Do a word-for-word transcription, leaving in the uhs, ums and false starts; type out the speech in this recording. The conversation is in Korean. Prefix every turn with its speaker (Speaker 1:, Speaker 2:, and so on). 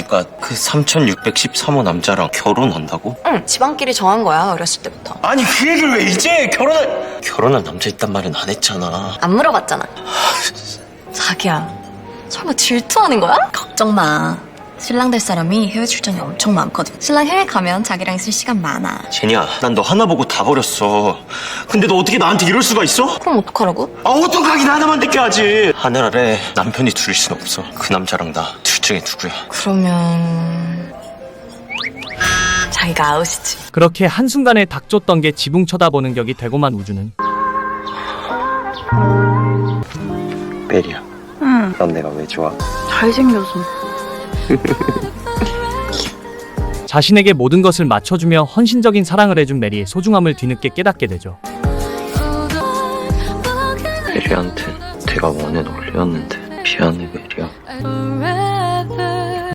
Speaker 1: 네가 그 삼천육백십삼 호 남자랑 결혼한다고?
Speaker 2: 응, 집안끼리 정한 거야, 어렸을 때부터.
Speaker 1: 아니 그 얘기를 왜 이제 결혼할 결혼한 남자 있단 말은 안 했잖아.
Speaker 2: 안 물어봤잖아. 자기야, 설마 질투하는 거야?
Speaker 3: 걱정 마. 신랑 될 사람이 해외 출장이 엄청 많거든. 신랑 해외 가면 자기랑 있을 시간 많아.
Speaker 1: 제니야, 난 너 하나 보고 다 버렸어. 근데 너 어떻게 나한테 이럴 수가 있어?
Speaker 2: 그럼 어떡하라고?
Speaker 1: 아 어떡하긴 하나만 느껴야지. 하늘 아래 남편이 둘일 순 없어. 그 남자랑 나 둘 중에 누구야?
Speaker 2: 그러면... 자기가 아웃이지.
Speaker 4: 그렇게 한순간에 닥쳤던 게 지붕 쳐다보는 격이 되고만 우주는
Speaker 1: 메리야,
Speaker 5: 응,
Speaker 1: 넌 내가 왜 좋아?
Speaker 5: 잘생겨서.
Speaker 4: 자신에게 모든 것을 맞춰주며 헌신적인 사랑을 해준 메리의 소중함을 뒤늦게 깨닫게 되죠.
Speaker 1: 메리한테 내가 원해 놀렸는데 미안해 메리야.